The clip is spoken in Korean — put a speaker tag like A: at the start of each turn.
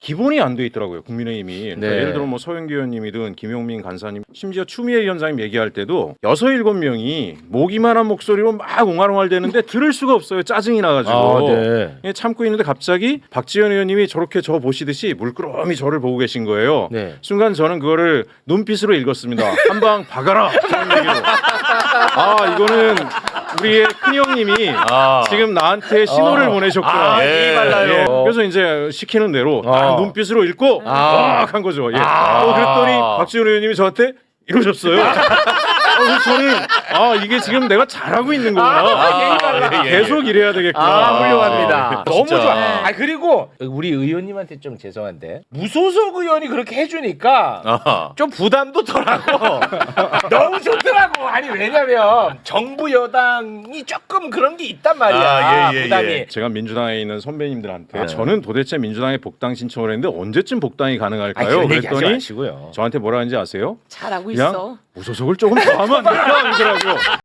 A: 기본이 안 돼 있더라고요. 국민의힘이. 그러니까
B: 네.
A: 예를 들어 뭐 서영기 의원님이든 김용민 간사님, 심지어 추미애 위원장님 얘기할 때도 6-7명이 모기만한 목소리로 막 옹알옹알대는데 들을 수가 없어요. 짜증이 나가지고.
B: 네.
A: 예, 참고 있는데 갑자기 박지원 의원님이 저렇게 저 보시듯이 물끄러미 저를 보고 계신 거예요.
B: 네.
A: 순간 저는 그거를 눈빛으로 읽었습니다. 한 방 박아라. 저런 얘기로. 아 이거는 우리의 큰형님이 지금 나한테 신호를 보내셨구나.
B: 예의 발라요.
A: 그래서 이제 시키는 대로 눈빛으로 읽고
B: 아.
A: 한 거죠. 예. 그랬더니 박지원 의원님이 저한테 이러셨어요. 그래서 저는 이게 지금 내가 잘하고 있는 거구나. 계속 이래야 되겠구나.
B: 훌륭합니다. 너무
A: 진짜.
B: 좋아. 그리고 우리 의원님한테 좀 죄송한데 무소속 의원이 그렇게 해주니까 좀 부담도 덜하고 너무 좋더라고. 아니 왜냐면 정부 여당이 조금 그런 게 있단 말이야. 부담이.
A: 제가 민주당에 있는 선배님들한테 저는 도대체 민주당에 복당 신청을 했는데 언제쯤 복당이 가능할까요?
B: 그런 얘기 하지
A: 그랬더니
B: 마시고요.
A: 저한테 뭐라 하는지 아세요?
C: 잘하고
A: 그냥
C: 있어.
A: 무소속을 조금 더 하면 안 될까? 그러더라고요.